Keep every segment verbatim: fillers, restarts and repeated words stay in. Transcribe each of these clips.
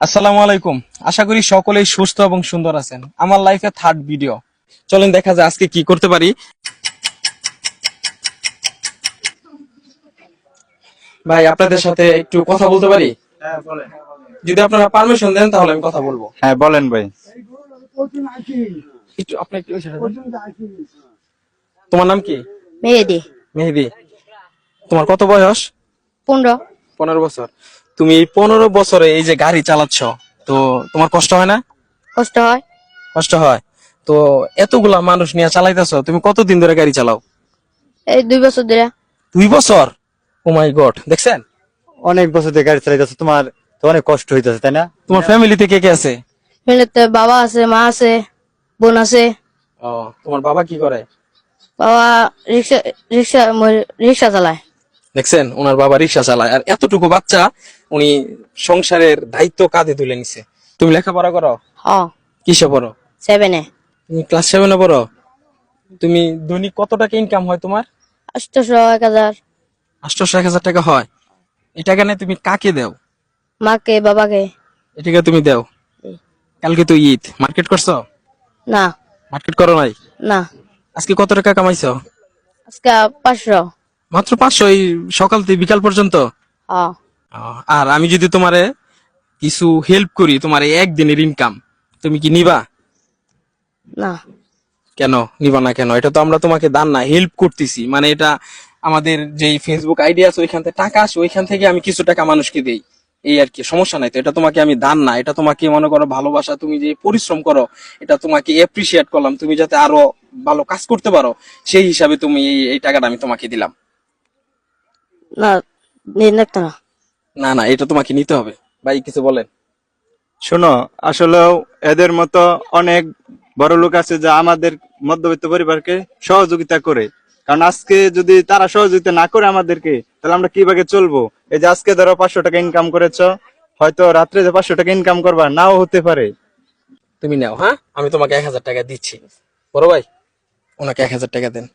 আসসালামু আলাইকুম। আশা করি সকলেই সুস্থ এবং সুন্দর আছেন। আমার লাইফে থার্ড ভিডিও, চলেন দেখা যায় আজকে কি করতে পারি। ভাই আপনাদের সাথে একটু কথা বলতে পারি? হ্যাঁ বলেন। যদি আপনারা পারমিশন দেন তাহলে আমি কথা বলবো। হ্যাঁ বলেন ভাই। একটু আপনি একটু ওই side এ যান। তোমার নাম কি? মেহেদি। মেহেদি। তোমার কত বয়স? পনেরো। পনেরো বছর। তুমি এই পনেরো বছরে এই যে গাড়ি চালাচ্ছ, তো তোমার কষ্ট হয় না? কষ্ট হয়। কষ্ট হয়। তো এতগুলা মানুষ নিয়ে চালাইতেছো, তুমি কতদিন ধরে গাড়ি চালাও? এই দুই বছর ধরে। দুই বছর? ও মাই গড, দেখছেন? অনেক বছর ধরে গাড়ি চালাইতেছো, তোমার তো অনেক কষ্ট হইতেছে তাই না? তোমার ফ্যামিলিতে কে কে আছে? ফ্যামিলিতে বাবা আছে, মা আছে, বোন আছে। ও, তোমার বাবা কি করে? বাবা রিক্সা রিক্সা রিক্সা চালায়। দেখছেন, ওনার বাবা রিক্সা চালায়, আর এতটুকু বাচ্চা উনি সংসারের দায়িত্ব কাঁধে তুলে নিছে। তুমি লেখাপড়া করো? হ। কিসে পড়ো? সেভেনে। তুমি ক্লাস সেভেনে পড়ো? তুমি দৈনিক কত টাকা ইনকাম হয় তোমার? আটশোশো এক হাজার। আটশোশো এক হাজার টাকা হয়। এই টাকা নিয়ে তুমি কাকে দেও? মাকে বাবাকে। এই টাকা তুমি দেও? কালকে তো ঈদ, মার্কেট করছো? না। মার্কেট করো নাই? না। আজকে কত টাকা কামাইছো? আজকে পাঁচশো। মাত্র পাঁচশো? এই সকাল থেকে বিকাল পর্যন্ত? হ। আহ, আর আমি যদি তোমারে কিছু হেল্প করি, তোমার এই একদিনের ইনকাম, তুমি কি নিবা? না। কেন নিবা না? কেন? এটা তো আমরা তোমাকে দান না, হেল্প করতেছি, মানে এটা আমাদের যে ফেসবুক আইডি আছে ওইখান থেকে টাকা আসে, ওইখান থেকে আমি কিছু টাকা মানুষকে দেই, এই আর কি। সমস্যা নাই তো, এটা তোমাকে আমি দান না, এটা তোমাকে মনে করো ভালোবাসা, তুমি যে পরিশ্রম করো এটা তোমাকে এপ্রিসিয়েট করলাম, তুমি যাতে আরো ভালো কাজ করতে পারো সেই হিসাবে তুমি এই এই টাকাটা আমি তোমাকে দিলাম। না, নিয়ে দেখতো না। না না, এটা তোমাকে নিতে হবে। ভাই কিছু বলেন। শোনো, আসলে এদের মতো অনেক বড় লোক আছে যা আমাদের মধ্যবিত্ত পরিবারকে সহযোগিতা করে। কারণ আজকে যদি তারা সহযোগিতা না করে আমাদেরকে, তাহলে আমরা কিভাবে চলবো? এই যে আজকে ধরো পাঁচশো টাকা ইনকাম করেছো, হয়তো রাত্রে যে পাঁচশো টাকা ইনকাম করবা নাও হতে পারে। তুমি নাও, হ্যাঁ আমি তোমাকে এক হাজার টাকা দিচ্ছি। বড় ভাই, ওনাকে এক হাজার টাকা দেন।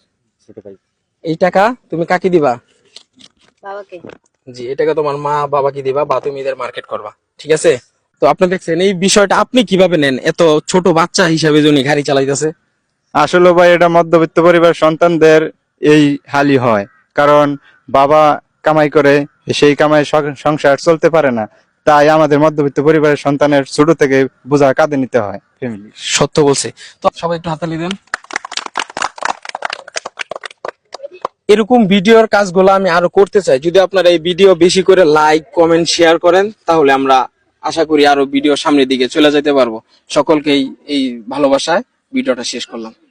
এই টাকা তুমি কাকে দিবা? বাবাকে। জি, এই টাকা তোমার মা বাবাকে দিবা, বা তুমি এদের মার্কেট করবা, ঠিক আছে? তো আপনি দেখছেন এই বিষয়টা আপনি কিভাবে নেন? এত ছোট বাচ্চা হিসাবে যিনি গাড়ি চালাইতেছে। আসলে ভাই এটা মধ্যবিত্ত পরিবার সন্তানদের এই হালই হয়, কারণ বাবা কামাই করে, সেই কামাই সং- সংসার চলতে পারে না। তাই আমাদের মধ্যবিত্ত পরিবারের সন্তানের ছোট থেকে বোঝা কাঁধে নিতে হয় ফ্যামিলি। সত্য বলছে। তো সবাই একটু হাতালি দেন। এরকম ভিডিওর কাজগুলো আমি আরো করতে চাই। যদি আপনারা এই ভিডিও বেশি করে লাইক কমেন্ট শেয়ার করেন, তাহলে আমরা আশা করি আরো ভিডিও সামনের দিকে চলে যেতে পারবো। সকলকেই এই ভালোবাসায় ভিডিওটা শেষ করলাম।